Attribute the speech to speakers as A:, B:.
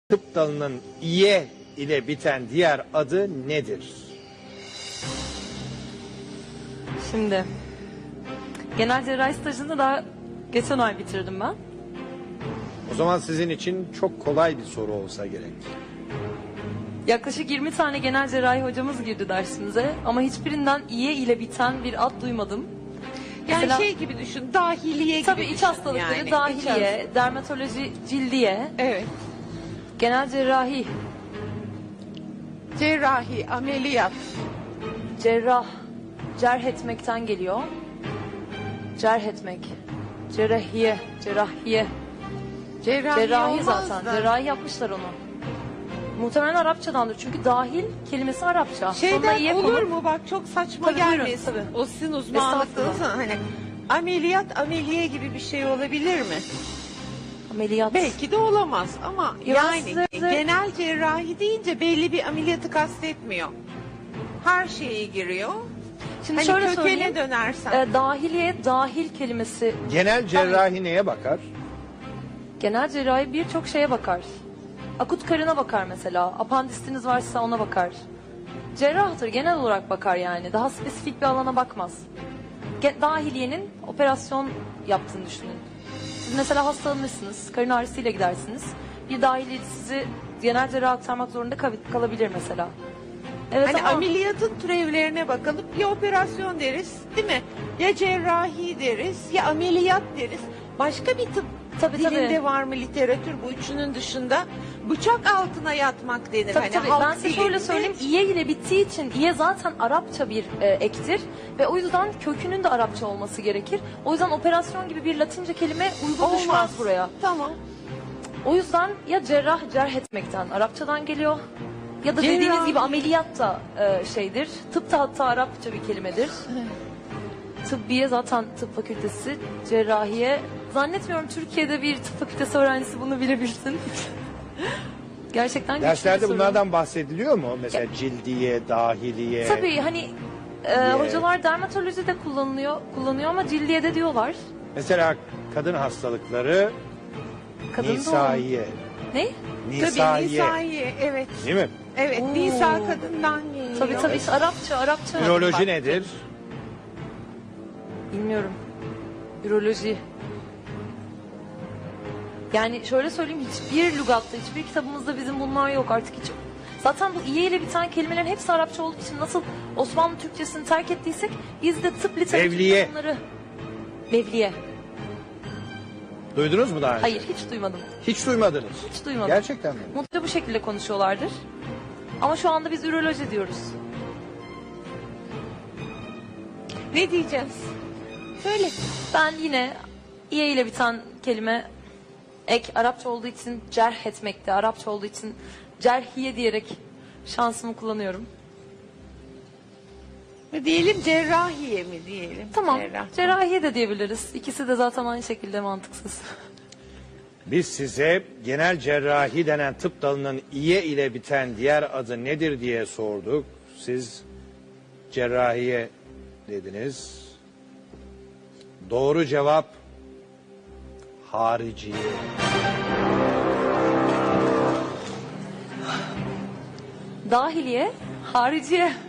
A: Tıp dalının iye ile biten diğer adı nedir?
B: Şimdi genel cerrahi stajını daha geçen ay bitirdim ben.
A: O zaman sizin için çok kolay bir soru olsa gerek.
B: Yaklaşık 20 tane genel cerrahi hocamız girdi dersimize ama hiçbirinden iye ile biten bir ad duymadım.
C: Yani
B: Mesela-
C: şey gibi düşün, dahiliye
B: Tabii
C: gibi
B: iç
C: düşün
B: hastalıkları,
C: yani.
B: dahiliye, dermatoloji, cildiye,
C: Evet.
B: genel cerrahi,
C: Cerrahi, ameliyat.
B: cerrah, cerh etmekten geliyor. Cerh etmek, cerrahiye, cerrahiye, cerrahi
C: olmaz
B: zaten.
C: da.
B: Cerrahi yapmışlar onu. Muhtemelen Arapçadandır çünkü dahil kelimesi Arapça. Sonuna
C: Şeyden
B: iye
C: olur
B: konup-
C: mu bak, çok saçma
B: Tabii, buyurun,
C: gelmesin.
B: tabii.
C: O sizin uzmanlıklarınız
B: Estağfurullah.
C: hani ameliyat ameliye gibi bir şey olabilir mi?
B: Ameliyat.
C: Belki de olamaz ama
B: Ya
C: yani
B: size-
C: genel cerrahi deyince belli bir ameliyatı kastetmiyor. Her şeye giriyor.
B: Şimdi
C: Hani
B: şöyle
C: kökene
B: söyleyeyim.
C: dönersen.
B: Dahiliye, dahil kelimesi.
A: Genel cerrahi neye bakar?
B: Genel cerrahi birçok şeye bakar. Akut karına bakar mesela. Apandisiniz varsa ona bakar. Cerrahtır, genel olarak bakar yani. Daha spesifik bir alana bakmaz. Dahiliyenin operasyon yaptığını düşünün. Siz mesela hastalanırsınız, karın ağrısıyla gidersiniz. Bir dahiliye sizi genel cerraha aktarmak zorunda kalabilir mesela. Evet
C: Hani
B: ama
C: ameliyatın türevlerine bakalım. Ya operasyon deriz, değil mi? Ya cerrahi deriz, ya ameliyat deriz. Başka bir tıp
B: Tabii,
C: dilinde
B: tabii.
C: var mı literatür bu üçünün dışında? Bıçak altına yatmak denir.
B: tabii,
C: Hani
B: tabii.
C: halk
B: Ben size şöyle
C: dilinde.
B: söyleyeyim. İye ile bittiği için iye zaten Arapça bir ektir. Ve o yüzden kökünün de Arapça olması gerekir. O yüzden operasyon gibi bir Latince kelime uygun düşmez buraya.
C: Tamam.
B: O yüzden ya cerrah, cerh etmekten Arapçadan geliyor. Ya da
C: Cerrah.
B: dediğiniz gibi ameliyat da şeydir. Tıp da hatta Arapça bir kelimedir. Tıbbiye zaten tıp fakültesi, cerrahiye. Zannetmiyorum Türkiye'de bir tıp fakültesi öğrencisi bunu bilebilsin. Gerçekten güçlü bir
A: Derslerde
B: soru.
A: bunlardan bahsediliyor mu? Mesela cildiye, dahiliye.
B: Tabii hani hocalar dermatolojide kullanıyor ama cildiye de diyorlar.
A: Mesela kadın hastalıkları
B: Kadın
A: nisaiye.
B: Ne?
C: Tabii
A: Nisaiye.
C: nisaiye, evet.
A: Değil mi?
C: Evet,
B: Oo.
C: nisa kadından geliyor.
B: Tabii işte Arapça.
A: Üroloji
B: Bak,
A: nedir?
B: Bilmiyorum. Üroloji. Yani şöyle söyleyeyim, hiçbir lügatta, hiçbir kitabımızda bizim bunlar yok artık hiç. Zaten bu iye ile biten kelimelerin hepsi Arapça olduğu için nasıl Osmanlı Türkçesini terk ettiysek biz de tıp literatüründe
A: Mevliye.
B: bunları... Mevliye.
A: Duydunuz mu daha önce?
B: Hayır, hiç duymadım.
A: Hiç duymadınız.
B: Hiç duymadım.
A: Gerçekten mi?
B: Mutlaka bu şekilde konuşuyorlardır. Ama şu anda biz üroloji diyoruz.
C: Ne diyeceğiz? Söyle.
B: Ben yine iye ile biten kelime ek Arapça olduğu için cerh etmekte, Arapça olduğu için cerhiye diyerek şansımı kullanıyorum.
C: Diyelim cerrahiye mi diyelim?
B: Tamam,
C: Cerrah.
B: cerrahiye de diyebiliriz. İkisi de zaten aynı şekilde mantıksız.
A: Biz size genel cerrahi denen tıp dalının iye ile biten diğer adı nedir diye sorduk. Siz cerrahiye dediniz. Doğru cevap hariciye.
B: Dahiliye, hariciye.